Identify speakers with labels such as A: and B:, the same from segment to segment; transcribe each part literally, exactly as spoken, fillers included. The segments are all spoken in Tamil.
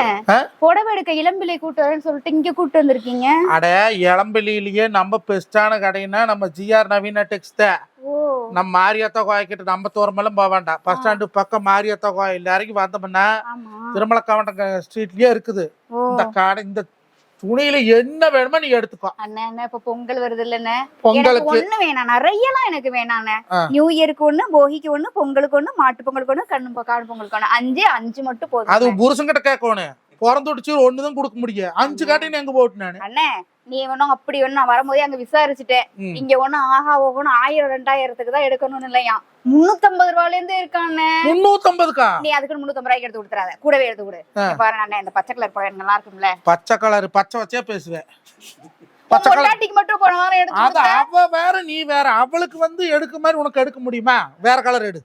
A: புடவை எடுக்க இளம்பிள்ளை கூட்டு வரேன்னு சொல்லிட்டு இங்க கூட்டு வந்திருக்கீங்க.
B: அட இளம்பிள்ளையிலேயே நம்ம பெஸ்டான கடைன்னா நம்ம ஜிஆர் நவீனா டெக்ஸ் தான். நம்ம மாரியாத்தா கோயிக்கிட்ட நம்ம தூரமெல்லாம் போக வேண்டாம். பஸ் ஸ்டாண்டு பக்கம் மாரியாத்தா கோயில் இறங்கி வந்தோம்னா திருமல கவண்ட ஸ்ட்ரீட்லயே இருக்குது இந்த கடை. இந்த துணியில என்ன வேணுமோ நீ எடுத்துக்கோ.
A: அண்ணா இப்ப பொங்கல் வருது இல்லன்னு, பொங்கலுக்கு ஒண்ணு வேணாம், நிறையலாம் எனக்கு வேணாண்ணே. நியூ இயருக்கு ஒண்ணு, போகிக்கு ஒண்ணு, பொங்கலுக்கு ஒண்ணு, மாட்டு பொங்கலுக்கு ஒண்ணு, கண்ணு காடு பொங்கலுக்கு ஒண்ணு, அஞ்சு அஞ்சு மட்டும் போதும். அது
B: புருஷன் கிட்ட கேட்கணும். பிறந்துடுச்சு ஒண்ணுதான் கொடுக்க முடியும். அஞ்சு காட்டி எங்க போட்டு நானு
A: அண்ணே நீ ஒன்னும் அப்படி ஒண்ணு நான் வரும்போதே அங்க விசாரிச்சுட்டேன். இங்க ஒண்ணு ஆஹா ஓகணும் ஆயிரம் ரெண்டாயிரத்துக்கு தான் எடுக்கணும்னு இல்லையா, முன்னூத்தி ஐம்பது ரூபாயில இருந்து இருக்கானே.
B: முன்னூத்தி ஐம்பதுக்கா?
A: நீ அதுக்கு முன்னூத்தி ஐம்பது ரூபாய்க்கு எடுத்து கொடுத்துறாத, கூடவே எடுத்து கொடு. பாரு அண்ணே இந்த பச்சை கலர் புடவை நல்லா இருக்கும்ல.
B: பச்சை கலர் பச்சை வச்சே பேசுவேன்.
A: பச்சை கலர் மட்டும் போனவாரம் எடுத்து.
B: அது அவ வேற நீ வேற. அவளுக்கு வந்து எடுக்க மாதிரி உனக்கு எடுக்க முடியுமா? வேற கலர் எடு.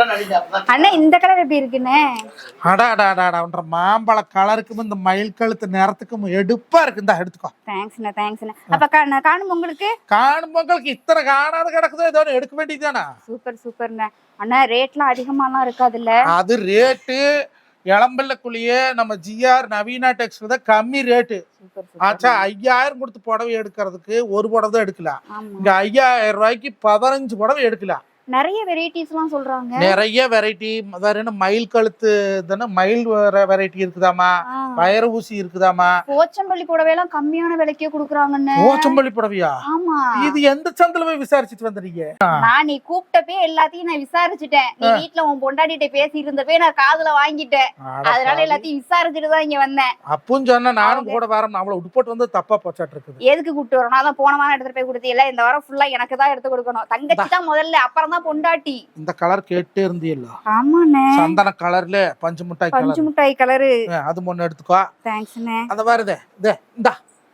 A: அண்ணா இந்த கலர் எப்படி இருக்குன்னு?
B: அடாடாடாடான்ற மாம்பழ கலருக்கும் இந்த மயில் கழுத்து நேரத்துக்கும் எடுப்பா இருக்கு. இந்த எடுத்துக்கோ.
A: தேங்க்ஸ்ண்ணா தேங்க்ஸ்ண்ணா. அப்ப காணும் பொங்கலுக்கு?
B: காணும் பொங்கலுக்கு இத்தனை காணாத கிடக்குதோ ஏதோ எடுக்க வேண்டியதுதானா?
A: சூப்பர் சூப்பர்ண்ணா. அண்ணா ரேட்லாம் அதிகமாலாம் இருக்காதுல்ல?
B: அது ரேட்டு இளம்பிள்ளைக்குள்ளேயே நம்ம ஜிஆர் நவீனா டெக்ஸ் தான் கம்மி ரேட்டு. ஆச்சா ஐயாயிரம் கொடுத்து புடவை எடுக்கிறதுக்கு ஒரு புடவை தான் எடுக்கலாம். இங்க ஐயாயிரம் ரூபாய்க்கு பதினஞ்சு புடவை எடுக்கலாம்.
A: நிறைய வெரைட்டிஸ் எல்லாம் சொல்றாங்க.
B: நிறைய வெரைட்டி. வேற என்ன மயில் கழுத்து தானே, மயில் வெரைட்டி இருக்குதாமா, வயர ஊசி இருக்குதாமா.
A: போச்சம்பள்ளி புடவை எல்லாம் கம்மியான விலைக்கே குடுக்குறாங்கன்னு.
B: போச்சம்பள்ளி புடவையா?
A: ஆமா.
B: இது எந்த சந்தில போய் விசாரிச்சுட்டு வந்தீங்க?
A: நான் நீ கூப்பிட்டப்பே எல்லாத்தையும் நான் விசாரிச்சுட்டேன். நீ வீட்டுல உன் பொண்டாட்டிட்ட பேசி இருந்தப்பே நான் காதுல வாங்கிட்டேன். அதனால எல்லாத்தையும் விசாரிச்சுட்டு தான் இங்க வந்தேன்.
B: அப்பவும் சொன்னா நானும் கூட வரேன். நம்மள உட்பட்டு வந்து தப்பா போச்சாட்டு இருக்குது.
A: எதுக்கு கூப்பிட்டு வரணும்? அதான் போன வாரம் எடுத்துட்டு போய் கொடுத்தீங்க. இந்த வாரம் ஃபுல்லா எனக்கு தான் எடுத்து கொடுக்கணும். தங்கச்சி தான் முதல்ல, அப்புறம் பொண்டாட்டி.
B: இந்த கலர் கேட்டே இருந்தீல்ல?
A: ஆமாண்ணே.
B: சந்தன கலர்ல பஞ்சு மிட்டாய் கலர்.
A: பஞ்சு மிட்டாய் கலர்.
B: அது ஒண்ணு எடுத்துக்கோ.
A: தேங்க்ஸ்ண்ணே.
B: அத பாருதே. இதே இந்தா.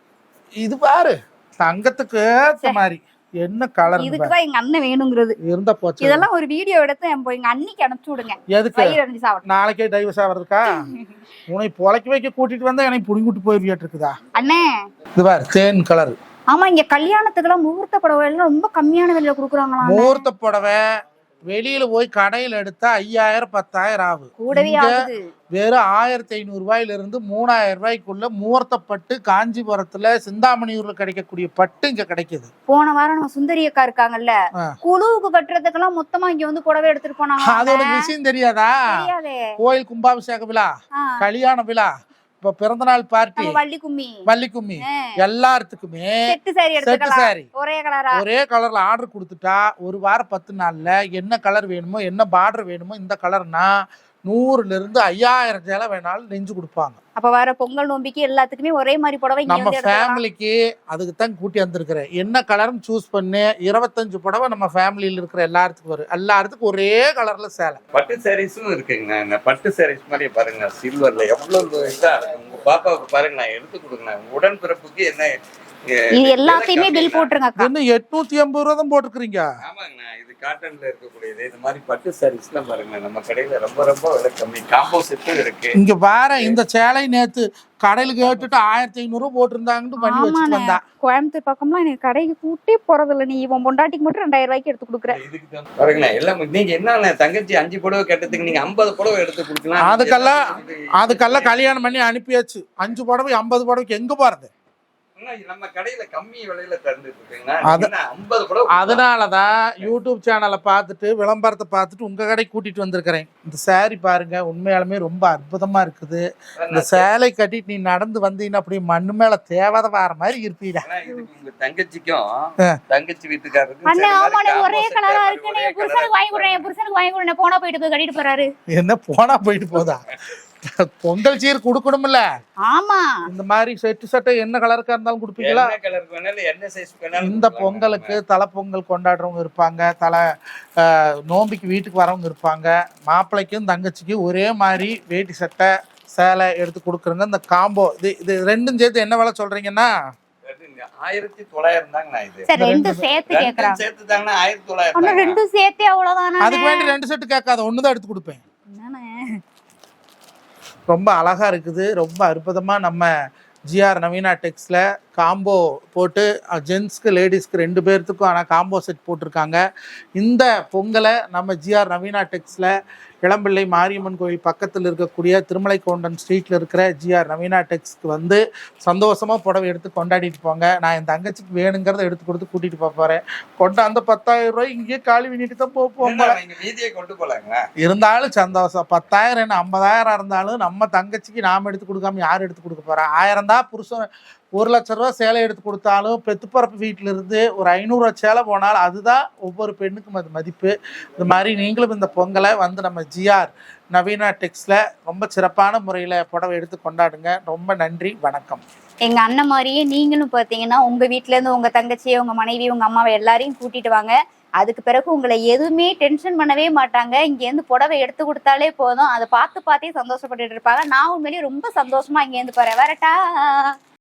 B: இது பாரு. தங்கத்துக்கு ஏத்த மாதிரி என்ன கலர்.
A: இதுக்கு தான் எங்க அண்ணன் வேணுங்கிறது.
B: இருந்த போச்சு.
A: இதெல்லாம் ஒரு வீடியோ எடுத்து எங்க அண்ணிக்கு அனுப்பிச்சு விடுங்க.
B: எதுக்கு? நாளைக்கே டைவர்ஸ் ஆவறதுக்கா? உன்னை பொளைக்க வைக்க கூட்டிட்டு வந்தா எனக்கு புடிங்கிட்டு போயிருவியாட்டு இருக்குதா?
A: அண்ணே
B: இது பாரு தேன் கலர்.
A: ஆமா இங்க கல்யாணத்துக்குலாம் முகூர்த்த புடவை எல்லாம் ரொம்ப கம்மியான விலையில குடுக்குறாங்களா?
B: முகூர்த்த புடவை வெளியில போய் கடையில எடுத்தா ஐயாயிரம் பத்தாயிரம் ஆகும்.
A: கூடவே ஆகுது.
B: வெறும் ஆயிரத்தி ஐநூறு ரூபாயில இருந்து மூணாயிரம் ரூபாய்க்குள்ள முகூர்த்த பட்டு காஞ்சிபுரத்துல சிந்தாமணியூர்ல கிடைக்கக்கூடிய பட்டு இங்க கிடைக்குது.
A: போன வாரம் நம்ம சுந்தரி அக்கா இருக்காங்கல்ல, குழுவுக்கு கட்டுறதுக்கெல்லாம் மொத்தமா இங்க வந்து புடவை எடுத்துட்டு போனாங்க.
B: அதோட விஷயம் தெரியாதா? கோயில் கும்பாபிஷேக விழா, கல்யாண விழா, இப்ப பிறந்தநாள் பார்ட்டி,
A: வள்ளி கும்மி
B: வள்ளி கும்மி எல்லாத்துக்குமே
A: செட்டு சாரி ஒரே கலரா
B: ஒரே கலர்ல ஆர்டர் கொடுத்துட்டா ஒரு வாரம் பத்து நாள்ல என்ன கலர் வேணுமோ என்ன பார்டர் வேணுமோ இந்த கலர்னா நூறுல இருந்து ஐயாயிரம் சேலை வேணாலும் நெஞ்சு கொடுப்பாங்க.
A: அப்ப வர பொங்கல் நோம்பிக்கு எல்லாத்துக்குமே ஒரே மாதிரி புடவை
B: நம்ம ஃபேமிலிக்கு அதுக்கு தான் கூட்டி வந்திருக்கிறேன். என்ன கலர்னு சூஸ் பண்ணி இருபத்தஞ்சு புடவை நம்ம ஃபேமிலியில இருக்கிற எல்லாத்துக்கும் வரும். எல்லாத்துக்கும் ஒரே கலர்ல சேலை.
C: பட்டு சாரீஸும் இருக்குங்க. பட்டு சாரீஸ் மாதிரி பாருங்க, சில்வர்ல எவ்வளவு இதா இருக்கு. உங்க பாப்பாவுக்கு பாருங்க, நான் எடுத்து கொடுங்க. உடன் பிறப்புக்கு என்ன
A: இது எல்லாத்தையுமே பில் போட்டுருங்க.
B: என்ன எட்நூத்தி ஐம்பது ரூபா தான் போட்டுக்கிறீங்க?
C: ஆமாங்கண்ணா, இது காட்டன்ல இருக்கக்கூடியது. இந்த மாதிரி பட்டு சாரீஸ் எல்லாம் பாருங்க நம்ம கடையில ரொம்ப ரொம்ப விலை கம்மி. காம்போ செட்டும் இருக்கு.
B: இங்க பாரு இந்த சேலை நேத்து கடையில கேட்டுட்டு ஆயிரத்தி ஐநூறு ரூபாய் போட்டிருந்தாங்கன்னு பண்ணி வச்சுட்டு வந்தா.
A: கோயம்புத்தூர் பக்கம்லாம் எனக்கு கடைக்கு கூட்டி போறதில்ல. நீ இவன் பொண்டாட்டிக்கு மட்டும் ரெண்டாயிரம் ரூபாய்க்கு எடுத்து கொடுக்குற.
C: பாருங்கண்ணா எல்லாம் நீங்க என்ன தங்கச்சி அஞ்சு புடவை கேட்டதுக்கு நீங்க ஐம்பது புடவை எடுத்து கொடுக்கலாம்.
B: அதுக்கெல்லாம் அதுக்கெல்லாம் கல்யாணம் பண்ணி அனுப்பியாச்சு. அஞ்சு புடவை ஐம்பது புடவைக்கு எங்க போறது?
C: நம்ம கடையில கம்மி விலையில தந்துட்டு இருக்கீங்க.
B: அதனாலதான் யூடியூப் சேனலை பார்த்துட்டு விளம்பரத்தை பார்த்துட்டு உங்க கடைக்கு கூட்டிட்டு வந்திருக்கிறேன். இந்த சேரீ பாருங்க, உண்மையாலுமே ரொம்ப அற்புதமா இருக்குது. இந்த சேலை கட்டிட்டு நீ நடந்து வந்தீங்கன்னா அப்படி மண்ணு மேல தேவாத வார மாதிரி இருப்பீடா.
C: உங்க தங்கச்சிக்கும் தங்கச்சி வீட்டுக்காரருக்கும்
A: ஒரே கலரா இருக்கு. புருஷனுக்கு வாங்கி கொடுறேன், புருஷனுக்கு வாங்கி கொடுறேன். போனா போயிட்டு கட்டிட்டு போறாரு.
B: என்ன போனா போயிட்டு போதா? பொங்கல் சீர் குடுக்கணும்ல.
A: ஆமா
B: இந்த மாதிரி செட்டு சட்டை என்ன கலருக்கா இருந்தாலும் குடுப்பீங்களா? இந்த பொங்கலுக்கு தலை பொங்கல் கொண்டாடுறவங்க இருப்பாங்க, தலை நோம்பிக்கு வீட்டுக்கு வரவங்க இருப்பாங்க. மாப்பிள்ளைக்கும் தங்கச்சிக்கும் ஒரே மாதிரி வேட்டி சட்டை சேலை எடுத்து கொடுக்குறங்க. இந்த காம்போ இது இது ரெண்டும் சேர்த்து என்ன விலை சொல்றீங்கன்னா
C: ஆயிரத்தி தொள்ளாயிரம் தாங்கண்ணா. இது
A: ரெண்டும் சேர்த்து கேக்குறாங்க.
C: சேர்த்து தாங்கண்ணா ஆயிரத்தி தொள்ளாயிரம்.
A: ரெண்டும் சேர்த்தே அவ்வளவுதானா?
B: அதுக்கு வேண்டி ரெண்டு செட்டு கேட்காத, ஒண்ணுதான் எடுத்து கொடுப்பேன். ரொம்ப அழகா இருக்குது. ரொம்ப அற்புதமா நம்ம ஜிஆர் நவீனா டெக்ஸ்ல காம்போ போட்டு ஜென்ஸ்க்கு லேடிஸ்க்கு ரெண்டு பேர்த்துக்கும் ஆனால் காம்போ செட் போட்டிருக்காங்க. இந்த பொங்கலை நம்ம ஜிஆர் நவீனா டெக்ஸில் இளம்பிள்ளை மாரியம்மன் கோயில் பக்கத்தில் இருக்கக்கூடிய திருமலை கவுண்டன் ஸ்ட்ரீட்டில் இருக்கிற ஜிஆர் நவீனா டெக்ஸ்க்கு வந்து சந்தோஷமாக புடவை எடுத்து கொண்டாடிட்டு போங்க. நான் என் தங்கச்சிக்கு வேணுங்கிறத எடுத்து கொடுத்து கூட்டிகிட்டு போக போகிறேன். கொண்டு அந்த பத்தாயிரம் ரூபாய் இங்கேயே காலி பண்ணிட்டு தான் போவோம்.
C: மீதியை கொண்டு போலாங்களா?
B: இருந்தாலும் சந்தோஷம். பத்தாயிரம் என்ன ஐம்பதாயிரம் இருந்தாலும் நம்ம தங்கச்சிக்கு நாம் எடுத்து கொடுக்காம யார் எடுத்து கொடுக்க போகிறா? ஆயிரம் தான் புருஷன் ஒரு லட்ச ரூபா சேலை எடுத்து கொடுத்தாலும் பெத்துப்பரப்பு வீட்டில இருந்து ஒரு ஐநூறுரூவா சேலை போனால் அதுதான் ஒவ்வொரு பெண்ணுக்கும் அது மதிப்பு. இது மாதிரி நீங்களும் இந்த பொங்கலை வந்து நம்ம ஜிஆர் நவீனா டெக்ஸில் ரொம்ப சிறப்பான முறையில் புடவை எடுத்து கொண்டாடுங்க. ரொம்ப நன்றி, வணக்கம்.
A: எங்க அண்ணன் மாதிரியே நீங்களும் பார்த்தீங்கன்னா உங்க வீட்டுல இருந்து உங்க தங்கச்சியை, உங்க மனைவி, உங்க அம்மாவை எல்லாரையும் கூட்டிட்டு வாங்க. அதுக்கு பிறகு உங்களை எதுவுமே டென்ஷன் பண்ணவே மாட்டாங்க. இங்கேருந்து புடவை எடுத்து கொடுத்தாலே போதும், அதை பார்த்து பார்த்தே சந்தோஷப்பட்டுட்டு இருப்பாங்க. நான் உண்மையிலேயே ரொம்ப சந்தோஷமா இங்கேருந்து போறேன். வரட்டா?